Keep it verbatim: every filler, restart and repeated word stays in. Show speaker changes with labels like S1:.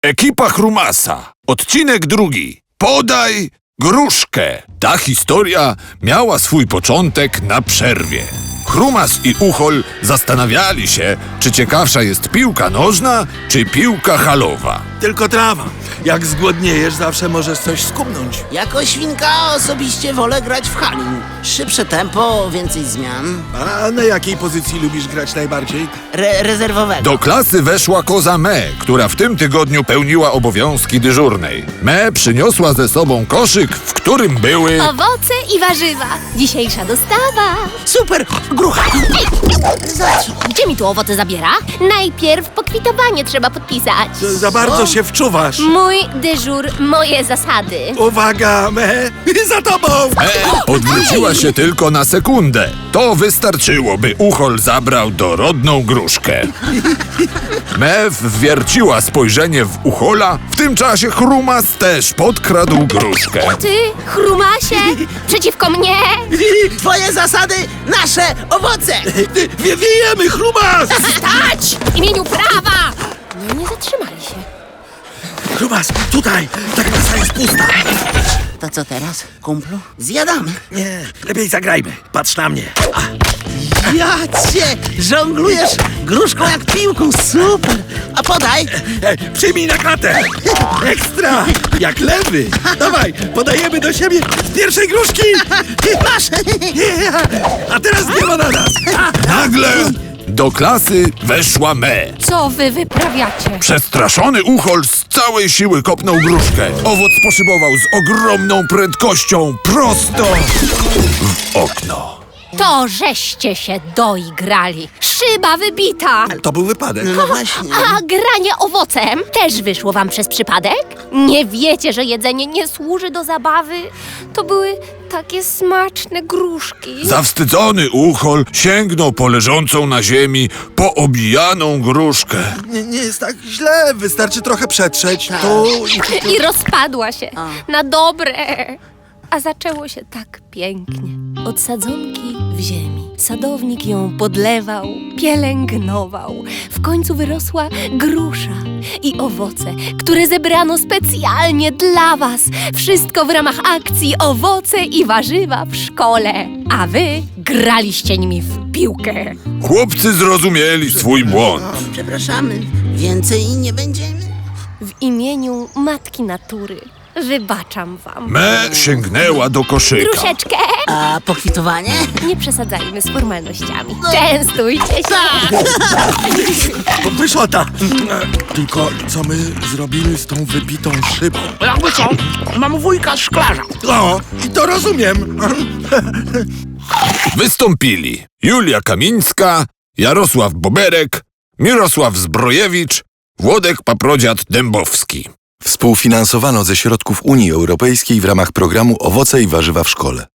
S1: Ekipa Chrumasa. Odcinek drugi. Podaj gruszkę. Ta historia miała swój początek na przerwie. Chrumas i Uchol zastanawiali się, czy ciekawsza jest piłka nożna, czy piłka halowa.
S2: Tylko trawa. Jak zgłodniejesz, zawsze możesz coś skumnąć.
S3: Jako świnka osobiście wolę grać w hali. Szybsze tempo, więcej zmian.
S2: A na jakiej pozycji lubisz grać najbardziej?
S3: Re rezerwowego.
S1: Do klasy weszła koza Me, która w tym tygodniu pełniła obowiązki dyżurnej. Me przyniosła ze sobą koszyk, w którym były...
S4: Owoce i warzywa. Dzisiejsza dostawa.
S3: Super! Grucha!
S4: Gdzie mi tu owoce zabiera? Najpierw pokwitowanie trzeba podpisać.
S2: Za bardzo się wczuwasz.
S4: Mój dyżur, moje zasady.
S2: Uwaga, me! Za tobą!
S1: Me odwróciła się tylko na sekundę. To wystarczyło, by Uchol zabrał dorodną gruszkę. Me wwierciła spojrzenie w Uchola. W tym czasie Chrumas też podkradł gruszkę.
S4: Ty, Chrumasie, przeciwko mnie.
S3: Twoje zasady, nasze owoce!
S2: Wie, wiejemy, Chrumas!
S4: Stać! W imieniu prawa! No nie zatrzymali się.
S2: Chrumas, tutaj! Ta klasa jest pusta.
S3: To co teraz, kumplu? Zjadamy.
S2: Nie, lepiej zagrajmy. Patrz na mnie. A,
S3: Ja cię! Żonglujesz gruszką jak piłką, super! A podaj!
S2: e, przyjmij na klatę! Ekstra! Jak lewy! Dawaj, podajemy do siebie z pierwszej gruszki!
S3: Masz!
S2: Yeah. A teraz nie ma na nas! A,
S1: Nagle do klasy weszła Me.
S4: Co wy wyprawiacie?
S1: Przestraszony Uchol z całej siły kopnął gruszkę. Owoc poszybował z ogromną prędkością prosto w okno.
S4: To żeście się doigrali. Szyba wybita.
S2: to był wypadek.
S3: No właśnie.
S4: A granie owocem też wyszło wam przez przypadek? Nie wiecie, że jedzenie nie służy do zabawy? To były takie smaczne gruszki.
S1: Zawstydzony Uchol sięgnął po leżącą na ziemi poobijaną gruszkę.
S2: Nie, nie jest tak źle, wystarczy trochę przetrzeć. Tu i...
S4: I rozpadła się na dobre. A zaczęło się tak pięknie. Od sadzonki w ziemi. Sadownik ją podlewał, pielęgnował. W końcu wyrosła grusza i owoce, które zebrano specjalnie dla was. Wszystko w ramach akcji Owoce i warzywa w szkole. A wy graliście nimi w piłkę.
S1: Chłopcy zrozumieli swój błąd.
S3: Przepraszamy, więcej nie będziemy.
S4: W imieniu Matki Natury wybaczam wam.
S1: Me sięgnęła do koszyka.
S4: Gruszeczkę!
S3: A pokwitowanie?
S4: Nie przesadzajmy z formalnościami. Częstujcie się.
S2: Pyszota! Tylko co my zrobimy z tą wybitą szybą?
S3: Jakby co? Mam wujka szklarza.
S2: O, i to rozumiem.
S1: Wystąpili Julia Kamińska, Jarosław Boberek, Mirosław Zbrojewicz, Włodek Paprodziad-Dębowski.
S5: Współfinansowano ze środków Unii Europejskiej w ramach programu Owoce i warzywa w szkole.